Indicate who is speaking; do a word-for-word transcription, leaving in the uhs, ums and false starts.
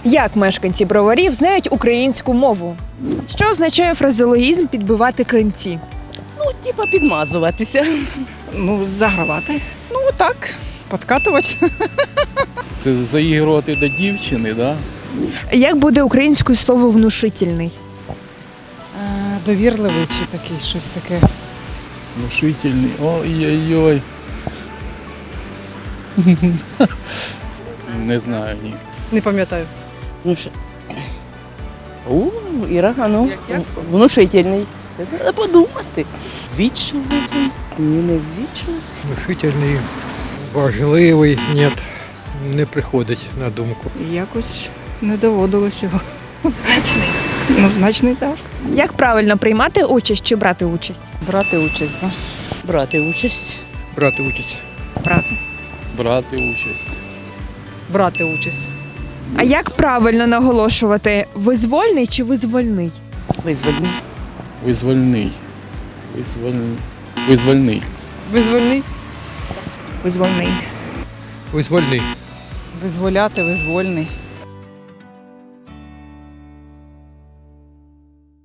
Speaker 1: Як мешканці Броварів знають українську мову? Що означає фразеологізм підбивати клинці?
Speaker 2: Ну, типа підмазуватися.
Speaker 3: Ну, загравати. Ну, так, подкатувати.
Speaker 4: Це заігрувати до дівчини, да?
Speaker 1: Як буде українською слово внушительний?
Speaker 3: Е, Довірливий чи такий, щось таке.
Speaker 4: Внушительний. Ой-ой-ой. Не знаю, ні.
Speaker 3: Не пам'ятаю.
Speaker 2: Ну що? У, Іра, а ну, внушительний. Це треба подумати. Вічливий? Ні, не вічливий.
Speaker 5: Внушительний, важливий, ні, не приходить на думку.
Speaker 3: Якось не доводилось його. Значний. Ну, значний так.
Speaker 1: Як правильно приймати участь чи брати участь?
Speaker 3: Брати участь, так?
Speaker 2: Брати участь.
Speaker 5: Брати участь.
Speaker 3: Брати.
Speaker 4: Брати участь.
Speaker 3: Брати участь.
Speaker 1: А як правильно наголошувати визвольний чи визвольний?
Speaker 2: Визвольний.
Speaker 4: Визвольний. Визвольний. Визвольний.
Speaker 3: Визвольний.
Speaker 2: Визвольний.
Speaker 5: Визвольний.
Speaker 3: Визволяти, визвольний.